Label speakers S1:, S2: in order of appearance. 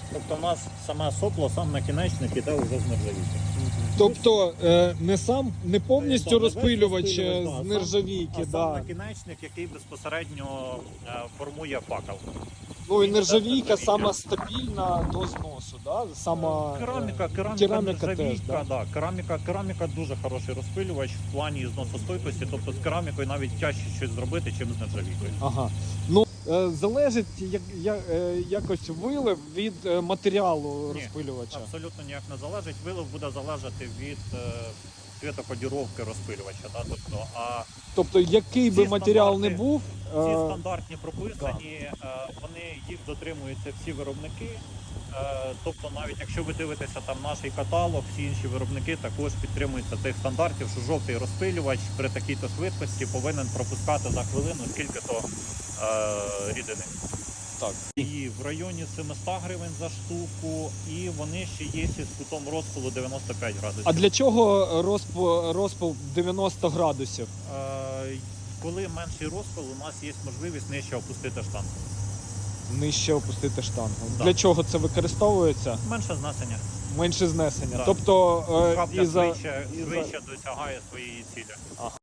S1: Тобто у нас саме сопло, сам накінечник іде вже з нержавійки.
S2: Тобто не повністю
S1: Так, не весь
S2: розпилювач
S1: розпилювач,
S2: з
S1: да,
S2: нержавійки,
S1: а сам
S2: да.
S1: накінечник, який безпосередньо формує факел.
S2: Ну і
S1: Він
S2: нержавійка
S1: іде з
S2: сама
S1: нержавійки.
S2: стабільна до зносу, да? Сама
S1: Кераміка,
S2: кераміка теж,
S1: нержавійка,
S2: да?
S1: да. Кераміка дуже хороший розпилювач в плані зносостойкості, тобто з керамікою навіть тяжче щось зробити, чим з нержавійкою.
S2: Ага. Ну, залежить якось вилив від матеріалу
S1: Ні,
S2: розпилювача.
S1: Абсолютно ніяк не залежить. Вилив буде залежати від цвітокодіровки розпилювача. Да?
S2: Тобто, який би
S1: ці
S2: матеріал не
S1: стандарти-
S2: був,
S1: Ці стандартні прописані, вони їх дотримуються всі виробники. Тобто, навіть якщо ви дивитеся там наш каталог, всі інші виробники також підтримуються цих стандартів, що жовтий розпилювач при такій-то швидкості повинен пропускати за хвилину скільки-то рідини.
S2: так.
S1: І в районі 700 гривень за штуку, і вони ще є з кутом розпилу 95 градусів.
S2: А для чого розпил 90 градусів?
S1: Коли менший розпил, у нас є можливість нижче опустити штангу.
S2: Нижче опустити штангу.
S1: Да.
S2: Для чого це використовується?
S1: Менше знесення.
S2: Менше знесення.
S1: Да.
S2: Тобто
S1: Капля
S2: швидше
S1: швидше досягає своєї цілі.
S2: Ага.